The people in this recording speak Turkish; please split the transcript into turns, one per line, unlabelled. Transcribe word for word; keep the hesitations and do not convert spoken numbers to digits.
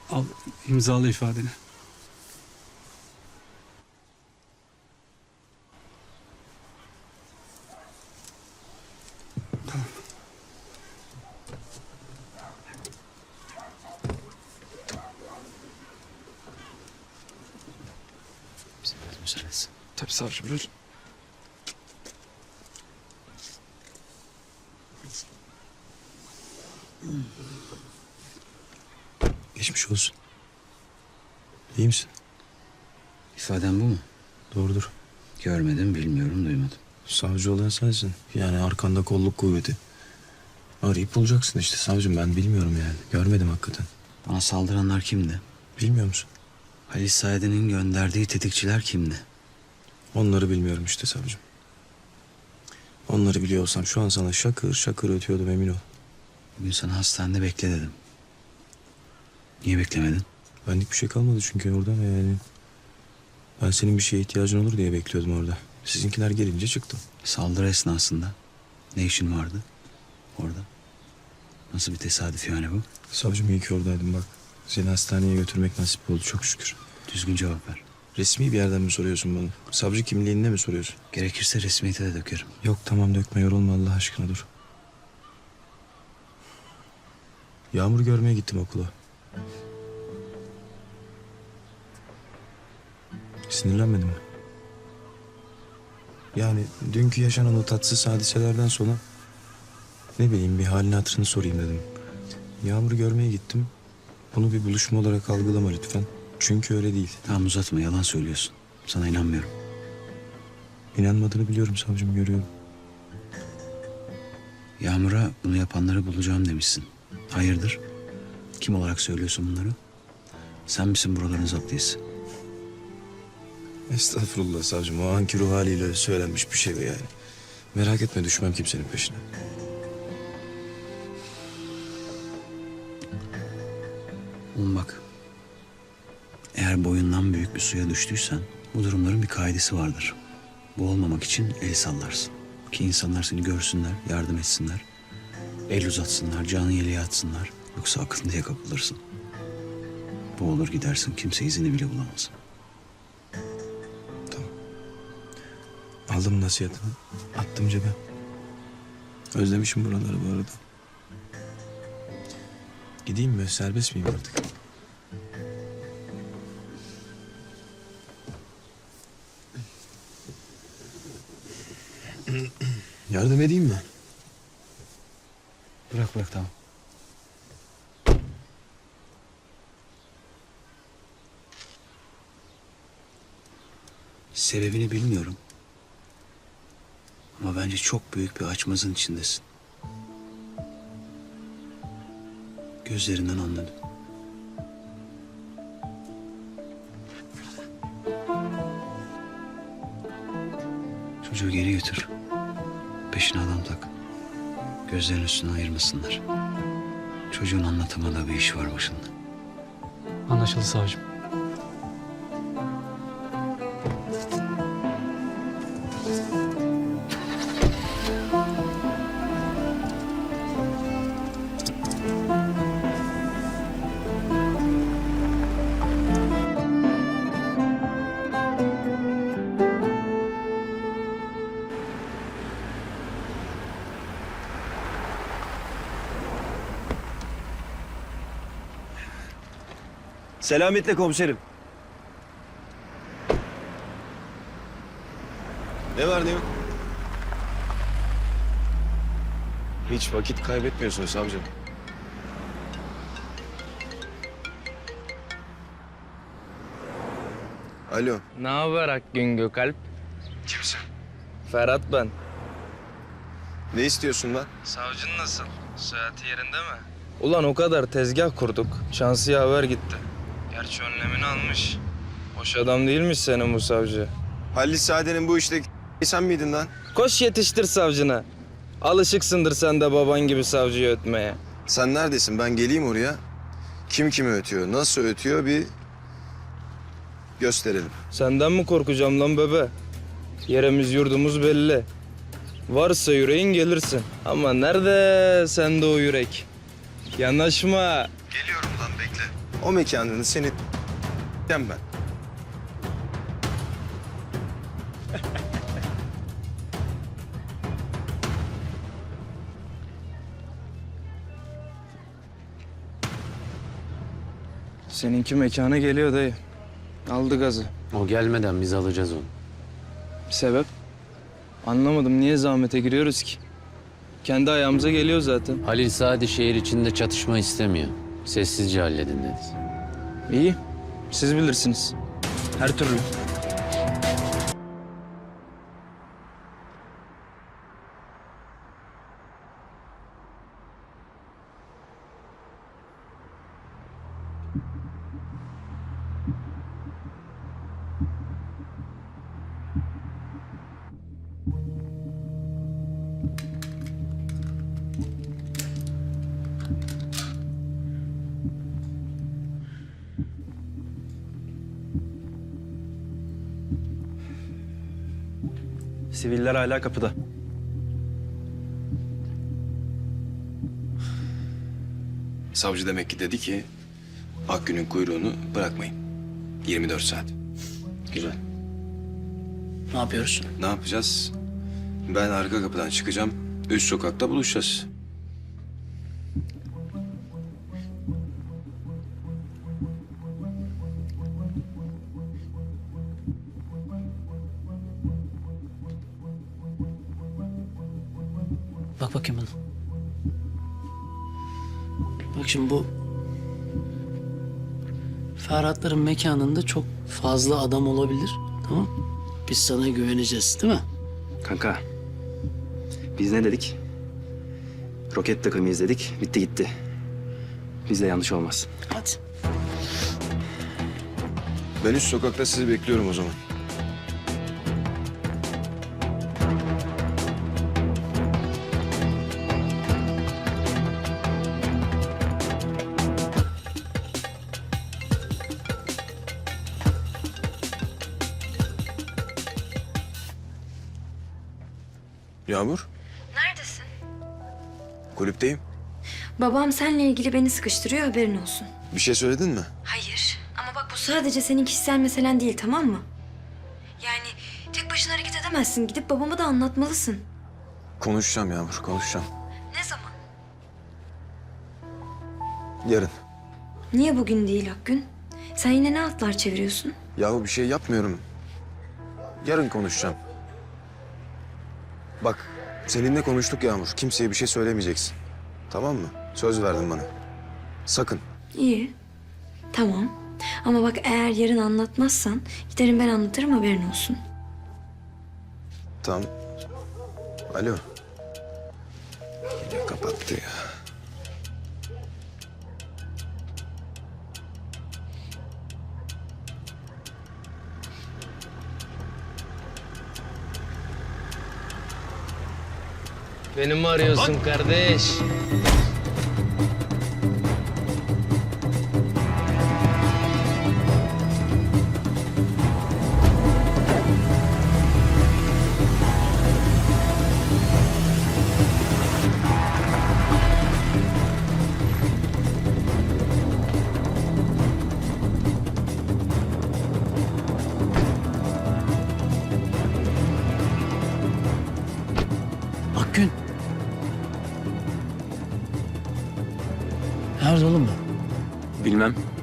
Al imzalı ifadeni. Tamam.
Bize biraz müsaade etsin.
Tabii savcım, buyurun.
Geçmiş olsun. İyi misin? İfaden bu mu?
Doğrudur.
Görmedim, bilmiyorum, duymadım.
Savcı olan sensin. Yani arkanda kolluk kuvveti. Arayıp bulacaksın işte savcım, ben bilmiyorum yani. Görmedim hakikaten.
Bana saldıranlar kimdi?
Bilmiyor musun?
Halis Said'in gönderdiği tetikçiler kimdi?
Onları bilmiyorum işte savcım. Onları biliyor olsam şu an sana şakır şakır ötüyordum, emin ol.
Bugün sana hastanede bekle dedim. Niye beklemedin?
Benlik bir şey kalmadı çünkü orada yani. Ben senin bir şeye ihtiyacın olur diye bekliyordum orada. Sizinkiler gelince çıktım.
Saldırı esnasında ne işin vardı orada? Nasıl bir tesadüf yani bu?
Savcım iyi ki oradaydım bak. Seni hastaneye götürmek nasip oldu çok şükür.
Düzgün cevap ver.
Resmi bir yerden mi soruyorsun bana? Savcı kimliğinde mi soruyorsun?
Gerekirse resmiyete de dökerim.
Yok tamam, dökme, yorulma Allah aşkına, dur. Yağmur görmeye gittim okula. Sinirlenmedin mi? Yani dünkü yaşanan o tatsız hadiselerden sonra ne bileyim bir halini hatırını sorayım dedim. Yağmur'u görmeye gittim. Bunu bir buluşma olarak algılama lütfen. Çünkü öyle değil.
Tamam uzatma, yalan söylüyorsun. Sana inanmıyorum.
İnanmadığını biliyorum savcım, görüyorum.
Yağmur'a bunu yapanları bulacağım demişsin. Hayırdır? Kim olarak söylüyorsun bunları? Sen misin buraların zaptiyesi?
Estağfurullah savcım, o anki ruh haliyle söylenmiş bir şey bu yani. Merak etme, düşmem kimsenin peşine.
Oğlum bak. Eğer boyundan büyük bir suya düştüysen bu durumların bir kaidesi vardır. Bu olmamak için el sallarsın. Ki insanlar seni görsünler, yardım etsinler. El uzatsınlar, canı yeleğe atsınlar. Yoksa akıntıya kapılırsın. Bu olur gidersin, kimse izini bile bulamaz.
Aldım nasihatini, attım cebe. Özlemişim buraları bu arada. Gideyim mi? Serbest miyim artık? Yardım edeyim mi?
Bırak bırak tamam. Sebebini bilmiyorum. Ama bence çok büyük bir açmazın içindesin. Gözlerinden anladım. Çocuğu geri götür. Peşine adam tak. Gözlerin üstüne ayırmasınlar. Çocuğun anlatamadığı bir iş var başında.
Anlaşıldı savcım.
Selametle komiserim.
Ne var ne yok? Hiç vakit kaybetmiyorsun savcım. Alo.
Ne haber Akgün Gökalp?
Kimsin?
Ferhat ben.
Ne istiyorsun lan?
Savcın nasıl? Sıhhati yerinde mi? Ulan o kadar tezgah kurduk. Şansı yaver gitti. Gerçi önlemini almış. Boş adam değilmiş senin bu savcı.
Halis Saadet'in bu işteki sen miydin lan?
Koş yetiştir savcına. Alışıksındır sen de baban gibi savcıyı ötmeye.
Sen neredesin? Ben geleyim oraya. Kim kimi ötüyor, nasıl ötüyor bir gösterelim.
Senden mi korkacağım lan bebe? Yerimiz yurdumuz belli. Varsa yüreğin gelirsin. Ama nerede sende o yürek? Yanaşma.
Geliyorum lan, bekle.
O mekanını senin ben.
Seninki mekana geliyor dayı. Aldı gazı.
O gelmeden biz alacağız onu.
Sebep? Anlamadım, niye zahmete giriyoruz ki? Kendi ayağımıza geliyor zaten.
Halil Sadi şehir içinde çatışma istemiyor. Sessizce halledin dedi.
İyi, siz bilirsiniz. Her türlü.
Siviller hala kapıda.
Savcı demek ki dedi ki Akgün'ün kuyruğunu bırakmayın. yirmi dört saat. Güzel.
Ne yapıyoruz?
Ne yapacağız? Ben arka kapıdan çıkacağım. Üst sokakta buluşacağız.
Bak bakayım bana. Bak şimdi bu... Ferhatların mekanında çok fazla adam olabilir. Tamam. Biz sana güveneceğiz değil mi?
Kanka, biz ne dedik? Roket takımıyız dedik, bitti gitti. Bizde yanlış olmaz.
Hadi.
Ben üst sokakta sizi bekliyorum o zaman. Yağmur,
Neredesin?
kulüpteyim.
Babam seninle ilgili beni sıkıştırıyor, haberin olsun.
Bir şey söyledin mi?
Hayır. Ama bak bu sadece senin kişisel meselen değil, tamam mı? Yani tek başına hareket edemezsin. Gidip babama da anlatmalısın.
Konuşacağım Yağmur, konuşacağım.
Ne zaman?
Yarın.
Niye bugün değil Akgün? Sen yine ne atlar çeviriyorsun?
Yahu bir şey yapmıyorum. Yarın konuşacağım. Bak, seninle konuştuk Yağmur. Kimseye bir şey söylemeyeceksin. Tamam mı? Söz verdin bana. Sakın.
İyi. Tamam. Ama bak eğer yarın anlatmazsan giderim ben anlatırım, haberin olsun.
Tamam. Alo. Yine kapattı ya.
Beni mi arıyorsun kardeş?
Akgün. Nerede oğlum bu?
Bilmem.